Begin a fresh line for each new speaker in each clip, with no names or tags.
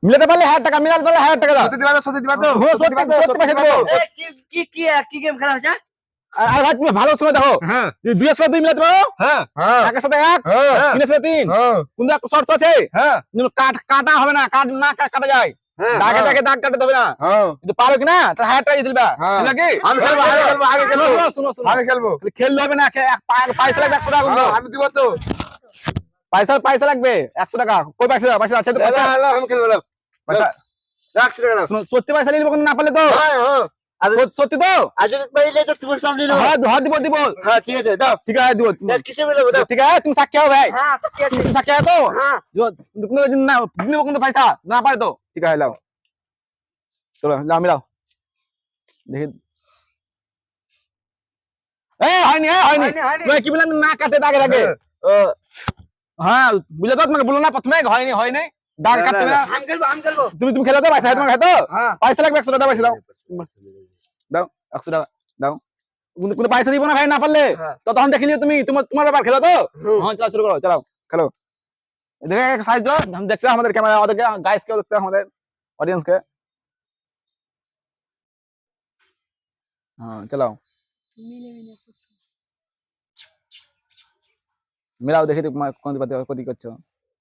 মিলাতে পারলে 1000 টাকা, মিলাতে পারলে 1000 টাকা দাও।
সত্যি দিবা তো? সত্যি দিবা তো?
ও সত্যি পয়সা দেবো।
কি গেম খেলা হচ্ছে?
আর ভাই তুমি ভালো সময় দেখো,
হ্যাঁ
যদি 2 এর সাথে 2 মিলাতে পারো,
হ্যাঁ হ্যাঁ
একের সাথে 1,
হ্যাঁ
3 এর সাথে 3,
হ্যাঁ
কোন একটা শর্ত আছে,
হ্যাঁ
কিন্তু কাটা হবে না, কাটা যায়,
হ্যাঁ
দাগে দাগ কাটতে হবে না,
হ্যাঁ
কিন্তু পারো কিনা তাহলে 1000 টাকা দিয়ে দিবা,
হ্যাঁ।
দিবা কি?
আমি খেলবো, আগে খেলবো, আগে খেলবো,
শুনো
আগে খেলবো।
খালি খেললে হবে না, পয়সা লাগবে 100 টাকা কিন্তু।
হ্যাঁ, আমি দিব তো।
পয়সা লাগবে 100 টাকা। কই পয়সা আছে তো?
দাদা হ্যালো, আমি খেলবো না।
পয়সা
রাখছি টাকা নাও।
শুনো, সত্যি পয়সা নিয়ে নিবো, না পারলে তো
হ্যাঁ হ্যাঁ
সত্যি তো?
আজ যদি পাইলে তো তোমার সামনে নেবো।
হ্যাঁ দিব।
হ্যাঁ ঠিক আছে দাও।
ঠিক আছে দিব।
কিসে মিলাবো দাও।
ঠিক আছে তুমি সাক্ষী হও ভাই,
হ্যাঁ সত্যি আছে।
তুমি সাক্ষী হও তো?
হ্যাঁ
তুমি না নিবো কিন্তু পয়সা না পারে তো। ঠিক আছে লাও, চলো লাও মিলাও দেখি। হয়নি
হয়নি।
তুমি কি বললেন? না কাটে দাগে দাগে। হ্যাঁ বুঝলে তো, তোমাকে বললো না প্রথমে হয়নি দাগ
না,
কাটতে
না,
না।
আমি খেলবো।
তুমি খেলো তো, পয়সা তোমার খেতো,
হ্যাঁ
পয়সা লাগবে 100 টাকা, পয়সা দাও 100 টাকা দাও। কোনো পয়সা দিব না ভাই না পারলে,
হ্যাঁ।
তো তখন দেখে নিও তুমি, তোমার ব্যাপার, খেলো তো। হ্যাঁ চলো শুরু করো, চালাও খেলো। দেখে এক সাহায্য हम देखते हैं, আমাদের ক্যামেরা, আমাদের গাইস কে দেখতে हैं, আমাদের অডিয়েন্স কে। হ্যাঁ চালাও, মিলাও দেখি তুমি কোন দিকে কোন দিকে করছো।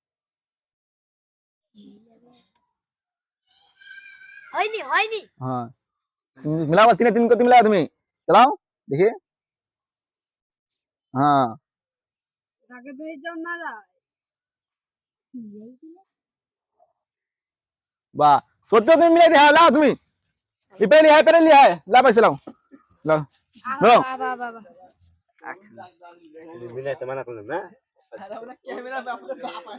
হয়নি
হ্যাঁ তুমি মিলাও, 3 3 করতে মিলাও তুমি, চালাও দেখি। হ্যাঁ
তাকে ভেজ যাও না রা
বাহ, সত্যি তুমি মিলাই দিয়ে লাও তুমি, পেরেলি হ্যাঁ লা পয়সা লাও লাও লাও।
বাবা
মিলাইতে মানা করলাম না।